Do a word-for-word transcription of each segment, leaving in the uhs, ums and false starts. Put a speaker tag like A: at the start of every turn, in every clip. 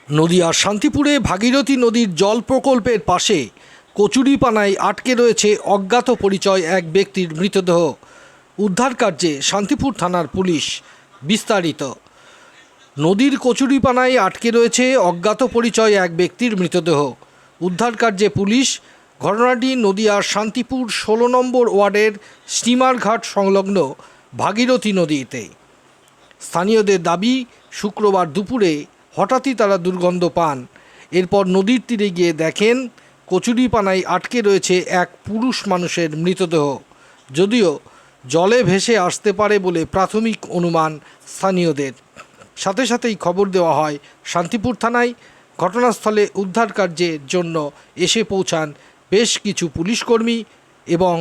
A: নদিয়ার শান্তিপুরে ভাগীরথী নদীর জল প্রকল্পের পাশে কচুরিপানায় আটকে রয়েছে অজ্ঞাত পরিচয় এক ব্যক্তির মৃতদেহ। উদ্ধার কার্যে শান্তিপুর থানার পুলিশ। বিস্তারিত। নদীর কচুরিপানায় আটকে রয়েছে অজ্ঞাত পরিচয় এক ব্যক্তির মৃতদেহ। উদ্ধার কার্যে পুলিশ। ঘটনাটি নদিয়ার শান্তিপুর ষোলো নম্বর ওয়ার্ডের স্টিমার ঘাট সংলগ্ন ভাগীরথী নদীতে। স্থানীয়দের দাবি, শুক্রবার দুপুরে হঠাৎই তারা দুর্গন্ধ পান। এরপর নদীর তীরে গিয়ে দেখেন কচুরিপানায় আটকে রয়েছে এক পুরুষ মানুষের মৃতদেহ। যদিও জলে ভেসে আসতে পারে বলে প্রাথমিক অনুমান স্থানীয়দের। সাথে সাথেই খবর দেওয়া হয় শান্তিপুর থানায়। ঘটনাস্থলে উদ্ধার কার্যের জন্য এসে পৌঁছান বেশ কিছু পুলিশকর্মী এবং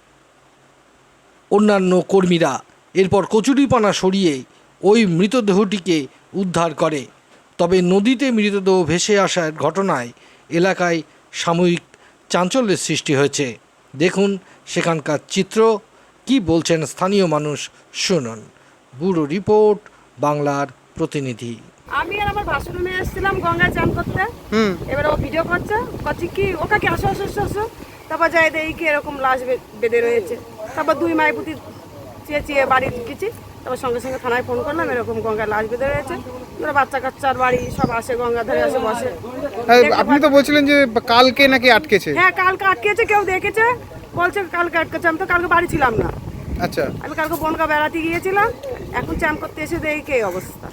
A: অন্যান্য কর্মীরা। এরপর কচুরিপানা সরিয়ে ওই মৃতদেহটিকে উদ্ধার করে। তবে নদীতে মৃতদেহ ভেসে আসার ঘটনায় এলাকায় সাময়িক চাঞ্চল্যের সৃষ্টি হয়েছে। দেখুন সেখানকার চিত্র, কি বলছেন স্থানীয় মানুষ শুনুন। ব্যুরো রিপোর্ট, বাংলার প্রতিনিধি।
B: আমি আর আমার ভাসুর মেয়ে এসেছিলাম গঙ্গায় চান করতে। এবার ও ভিডিও করছে, করছি কি ওকে কি আসো আসো আসো। তারপর যাই দেখি কি এরকম লাশ বেঁধে রয়েছে। তারপর দুই মাইপুতি চেয়ে চেয়ে বাড়ি গেছি। তারপর সঙ্গে সঙ্গে থানায় ফোন করলাম, এরকম গঙ্গায় লাশ বেঁধে রয়েছে। ওরা বাচ্চা কাচ্চার বাড়ি সব আসে, গঙ্গা ধারে আসে বসে।
C: আপনি তো বলছিলেন যে কালকে নাকি আটকেছে।
B: হ্যাঁ, কালকে আটকেছে, কেউ দেখেছে বলছে কালকে আটকেছে। আমি তো কালকে বাড়ি ছিলাম না।
C: আচ্ছা,
B: আমি কালকে বনগা বেড়াতে গিয়েছিলাম। এখন চান করতে এসে দেখি কি অবস্থা।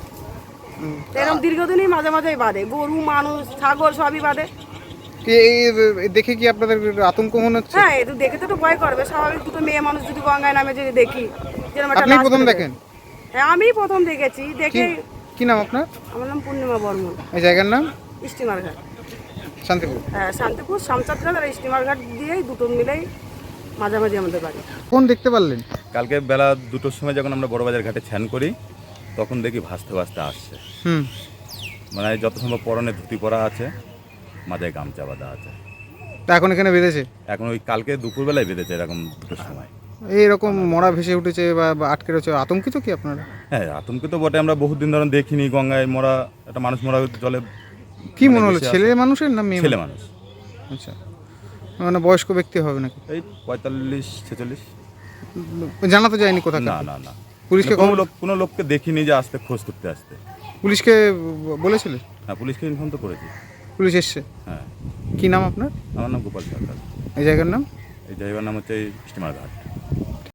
B: এরকম দীর্ঘদিনই মাঝে মাঝেই বাঁধে, গরু মানুষ ছাগল সবই বাঁধে।
C: এই দেখে কি আপনাদের আতঙ্ক মনে হচ্ছে?
B: হ্যাঁ, একটু দেখে তো একটু ভয় করবে, স্বাভাবিক। দুটো মেয়ে মানুষ যদি গঙ্গায় নামে যদি দেখি, যেরকম একটা
C: আপনি
B: লাশ
C: প্রথম
B: বেরোবে।
C: দেখেন?
B: হ্যাঁ, আমি প্রথম দেখেছি। দেখে
C: কি- কি নাম আপনার?
B: আমার নাম পূর্ণিমা বর্মন।
C: এই জায়গার নাম
B: স্টিমার ঘাট।
C: শান্তিপুর।
B: হ্যাঁ, শান্তিপুর শামচাঁদঘাট আর স্টিমার ঘাট দিয়েই দুটো মিলেই মাঝামাঝি আমাদের বাড়ি।
C: কোন দেখতে পারলেন?
D: কালকে বেলা দুটোর সময় যখন আমরা বড়বাজার ঘাটে স্নান করি, তখন দেখি ভাসতে ভাসতে আসছে।
C: হুম
D: মানে যত সম্ভব পরনে ধুতি পরা আছে, মাথায় গামছা বাঁধা আছে।
C: তা এখন এখানে বেঁধেছে?
D: এখন ওই কালকে দুপুরবেলায় বেঁধেছে এরকম দুটোর সময়।
C: এইরকম মরা ভেসে উঠেছে বা বা আটকে রয়েছে, আতঙ্কিত কি আপনারা?
D: হ্যাঁ, আতঙ্কিত বটে। আমরা বহুদিন ধরে দেখিনি গঙ্গায় মরা একটা মানুষ মরা জলে।
C: কি
D: মানে
C: মনে হলো,
D: ভেসে
C: ছেলে
D: আসে।
C: মানুষের না মেয়ে
D: ছেলে
C: মানুষ?
D: মানুষ।
C: আচ্ছা, মানে বয়স্ক ব্যক্তি হবে নাকি?
D: এই পঁয়তাল্লিশ ছেচল্লিশ।
C: জানা তো যায়নি কোথায়?
D: না না না,
C: পুলিশকে
D: কোনো
C: খবর-
D: লোক কোনো লোককে দেখিনি যে আসতে খোঁজ করতে আসতে।
C: পুলিশকে বলেছিলে?
D: হ্যাঁ, পুলিশকে ইনফর্ম তো করেছি।
C: পুলিশ এসছে?
D: হ্যাঁ।
C: কি নাম আপনার?
D: আমার নাম গোপাল সরকার।
C: এই জায়গার নাম?
D: এই জায়গার নাম হচ্ছে স্টিমার ঘাট।